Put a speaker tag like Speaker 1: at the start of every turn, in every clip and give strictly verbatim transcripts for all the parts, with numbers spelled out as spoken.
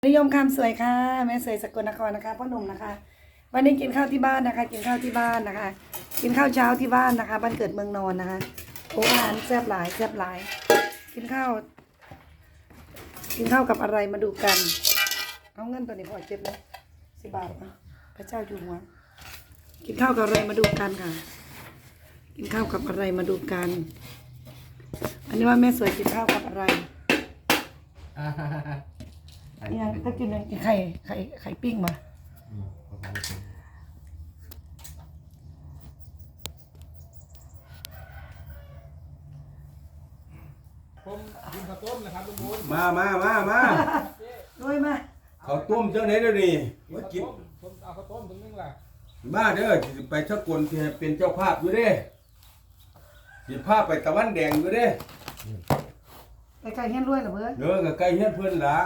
Speaker 1: นิยมคำสวยค่ะแม่สวยสกลนครนะคะพ่อหนุ่มนะคะ วันนี้กินข้าวที่บ้านนะคะ กินข้าวที่บ้านนะคะ กินข้าวเช้าที่บ้านนะคะบ้านเกิดเมืองนอนนะคะโอ้อาหารแซ่บหลายแซ่บหลาย กินข้าว กินข้าวกับอะไรมาดูกันเอาเงินตัวนี้พอเจ็บเลยสิบบาทอ่ะพระเจ้าอยู่หัวกินข้าวกับอะไรมาดูกันค่ะ กินข้าวกับอะไรมาดูกัน อันนี้ว่าแม่สวยกินข้าวกับอะไรเนี่ยถ้ากินเนี่ยกินไข่ไข่ไข่ปิ้งมา
Speaker 2: ผมกินข้าวต้มนะครับลุงบุญ
Speaker 3: มามามามา
Speaker 1: ด้วยมา
Speaker 3: เขาวต้มเจ้าไหนเดี๋ยวนี้ว่ากิน
Speaker 2: ผมเอาข้าวต้มตรงนึงล่ะ
Speaker 3: มาเด้อสิไปสกลที่เป็นเจ้าภาพอยู่เด้สิภาพไปตะวันแดงอยู่เด้
Speaker 1: ไปไก่เฮี้ยนด้วยเหรอเพื่อน
Speaker 3: เด้อกับไก่เฮียนเพิ่นละ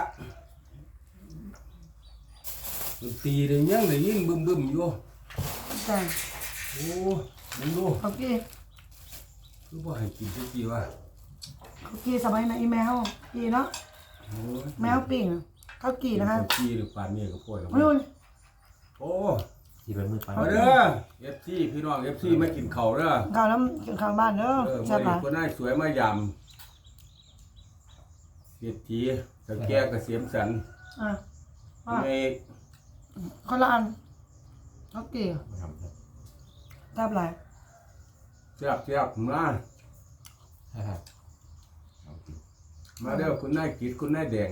Speaker 3: ดนตรีได้ยังได้ยินบึ้มบึ้มอยู่
Speaker 1: แต่
Speaker 3: โอ้มึงดู
Speaker 1: เขากี้
Speaker 3: คือว่าให้กินสักทีวะ
Speaker 1: เขากี้สมัยไหนอีแมวกี้เนาะ
Speaker 3: โอ้ย
Speaker 1: แมวปิ้งเขากี้นะคะ
Speaker 3: กีหรือปานนี้ก็ป่วยแล้ว
Speaker 1: ไม่รู้
Speaker 3: โอ้
Speaker 4: ที่เป็นมือไป
Speaker 3: มาเด้อ เอฟ ซี พี่น้อง เอฟ ซี มากินข้าวเด้อ
Speaker 1: ข้าวน้ำกินข้าวบ้านเด้อ
Speaker 3: เออ
Speaker 1: ใช่
Speaker 3: มื้อ
Speaker 1: ปะ
Speaker 3: นี้คนนายสวยมายำเศรษฐีตะแก่เกษมสันต์
Speaker 1: อ่ะว่า
Speaker 3: ใน
Speaker 1: คนละอันเขากี้ทำไร
Speaker 3: เสียบเสียบมามาเด้อคุณนายกิดคุณนายแดง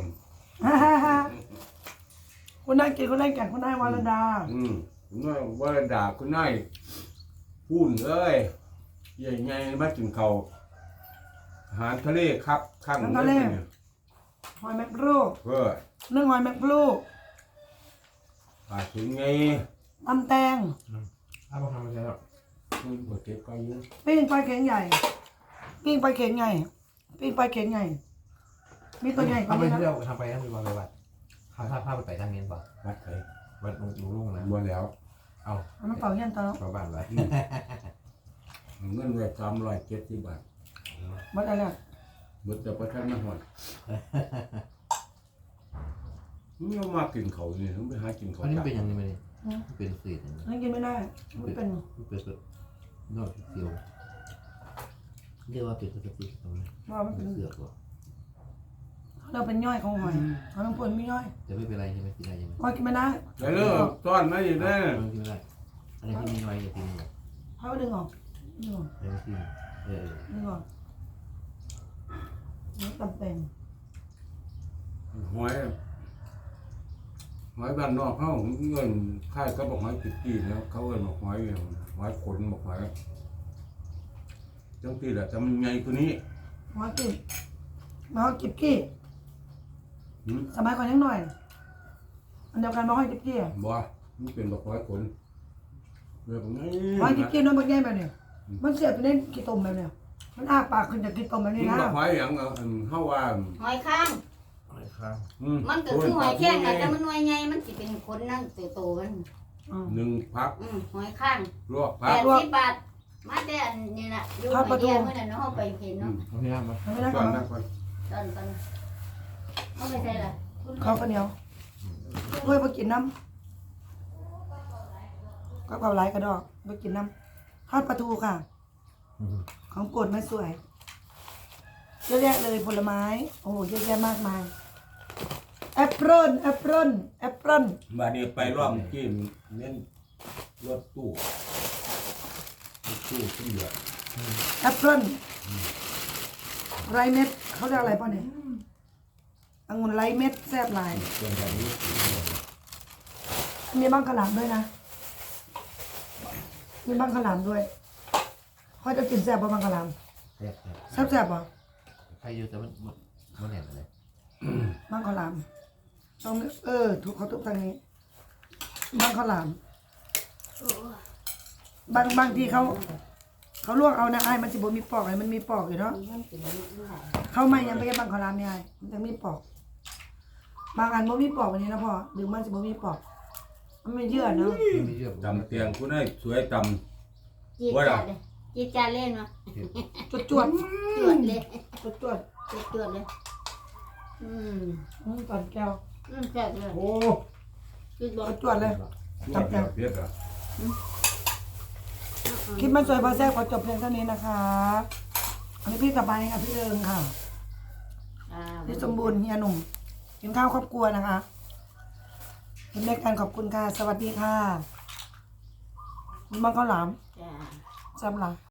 Speaker 1: คุณนายกินคุณนายแก่งคุณนายวรดา
Speaker 3: อืมคุณนายวรดาคุณนายพูนเอ้ยใหญ่ไงมากินข้าวอาหารทะเลครับข้างเลยเนี่ย
Speaker 1: หอยแมกรู
Speaker 3: เพื่อ
Speaker 1: นึ่งหอยแมกรู
Speaker 3: ปาถึงไง
Speaker 1: ตำแตง
Speaker 4: ถ้าบอกทำอะไรหรอก
Speaker 3: อืมบ่เก็บไปเยอะ
Speaker 1: ปิ้งปลาเข็งใหญ่ปิ้งปลาเข็งใหญ่ปิ้งปลาเข็งใหญ่มีตัวใหญ่กว่า
Speaker 4: ทำไป
Speaker 1: นี้นะ
Speaker 4: เที่ยวทำไปทำไปวันไปวันพาพาพาไปไปทางนี้ป่ะ
Speaker 3: วัดไป
Speaker 4: วัดลุงลุงนะ
Speaker 3: บ่แล้ว
Speaker 4: เอา
Speaker 1: เอาน้ำเปล่าเยี่ยนตา
Speaker 4: ชาวบ้านไป
Speaker 3: เงินไว้สามร้อยเจ็ดสิบบาท
Speaker 1: วัดอะไร
Speaker 3: เบิดแต่ประทันมาหอดมึงเอามากินเขานี่ต้องไปหากินเขา
Speaker 4: อันนี้
Speaker 3: จ้ะ
Speaker 4: เป็นยังไงมาเนี่ยเป็นสีอย่างนี้
Speaker 1: นั่นกินไม่ได้ไม่เป็น
Speaker 4: เป็นแบบนอกเสียวเรียกว่าเป็นสติตรงนี้
Speaker 1: ว่าไม่เป็น
Speaker 4: เสือกว่ะ
Speaker 1: เราเป็นย่อยของหอยเขาต้องปนไม่ย่อย
Speaker 4: แต่ไม่เป็นไรใช่ไหมกินได้ใช่ไหม
Speaker 1: หอยกินไม่ได้
Speaker 3: เดี๋ยวเลิกต้อนมาอีกแน่
Speaker 4: ไม่กินไม่ได้อันนี้ที่มีไว้อย่ากินหมด
Speaker 1: เขาดึงออกดึงออก
Speaker 4: ไม่กินเออ
Speaker 1: ดึงออกนี่ตำแตง
Speaker 3: หอยหอยบ้านนอกเขาเงินค่ายก็บอกหอยติดกีแล้วเขาเอิ้นบอกหอยอย่างหอยขนบอกหอยจังที่แหละจำไงตัวนี้
Speaker 1: หอยกินมาหอยกิบกี้
Speaker 3: หืม
Speaker 1: สมัยก่อนยังหน่อยอันเดียวกันมาหอยกิบกี้
Speaker 3: บ่มันเป็นบอกหอยขนแบบนี้
Speaker 1: หอยกิบกี้น้อยมันใหญ่แบบเนี้ยมันเสียบไปในกี่ต้มแบบเนี้ยมันอ้าปากขึ้นจากกี่ต้มแบบนี้
Speaker 3: มัน
Speaker 1: นะ
Speaker 3: บอกหอยอย่างเอาอันเฮาว่า
Speaker 5: หอยข้าง
Speaker 4: อะไรครับ
Speaker 3: อื
Speaker 5: มันก็คือหอยแข้งอะแต่มันหน่วยใหญ่มันสิเป็นคนนั่งโตๆมัน
Speaker 1: อืม
Speaker 3: หนึ่งพัก
Speaker 5: อืมหอยข้าง
Speaker 3: ลวก
Speaker 5: แป
Speaker 3: พัก
Speaker 5: ดสิบบาทมาแต่อันนี้น่ะอยู่หอยเดียวเมื่อนั้นเนาะเฮาไปเห็นเนาะ
Speaker 4: เอาที่น้ำมา
Speaker 1: ไม่ได้
Speaker 3: ก่
Speaker 1: ก่
Speaker 3: อ
Speaker 1: อน น
Speaker 3: นะก่อน
Speaker 5: ตอนตอนเฮาไปใส่ล่ะคุณ
Speaker 1: ข้าวข้าวเหนียวเฮ้ยมากินน้ำก็เผาไหลกระดอกมากินน้ำทอดปลาทูค่ะ ของโปรดไม่สวยเยอะแยะเลยผลไม้โอ้โหเยอะแยะมากมายแอปเปิ้ลแอปเปิ้ลแอปเปิ้ล
Speaker 3: มาเนี่ยไปรอบเมื่อกี้เน้นรถตู้รถตู้ที่เหลือ
Speaker 1: แอปเปิ้ลไรเม็ดเขาเรียกอะไรป่ะเนี่ยองุ่นไรเม็ดแซ่บหลาย
Speaker 3: ส่วนแบบนี้
Speaker 1: มีบ้างขาวหลามด้วยนะมีบ้างขาวหลามด้วยเขาจะกินแซ่บป่ะบ้างขาวหลาม
Speaker 4: แซ่บ
Speaker 1: แซ่บแซ่บป่ะ
Speaker 4: ใครอยู่แต่มันมันแหลมอะไร
Speaker 1: บ้างขาวหลามต้องเออถูกเขาทุกทางนี้บ้างขาวหลามบางบางทีเขาเขาลวกเอานะไอ้มันสิบมีปอกไอ้มันมีปอกอยู่เนาะเขาไม่ยังไปแค่บางขาวหลามเนี่ยไอ้มันจะมีปอกบางอันบ่มีปอกวันนี้นะพ่อหรือมันสิบ่มีปอกมันไม่เยื่อเนาะ
Speaker 4: ไม่เชื่อ
Speaker 3: จำเตียงคุณได้สวยจ
Speaker 5: จีดจาดเลยจีดจาดเล่นมา
Speaker 1: จวดจวด
Speaker 5: จวดเลย
Speaker 1: จวดจวด
Speaker 5: จวดๆเลยอืม
Speaker 1: อืมก่อนแก้ว
Speaker 5: ออืมแซ่บเลย
Speaker 3: โอ้
Speaker 5: คือบอก
Speaker 1: เอาจวดเลย
Speaker 3: จับแบบเผ็ดอ่ะ
Speaker 1: คลิปมันสวยพอแซ่บขอจบเพียงเท่านี้นะคะอันนี้พี่กลับไปค่ะพี่เอิงค่ะ
Speaker 5: อ่า
Speaker 1: พี่สมบูรณ์เฮียหนุ่มกินข้าวครอบครัวนะคะกินด้วยกันขอบคุณค่ะ สวัสดีค่ะคุณมังข้าวหลาม
Speaker 5: จ้า
Speaker 1: แซ่บหลาย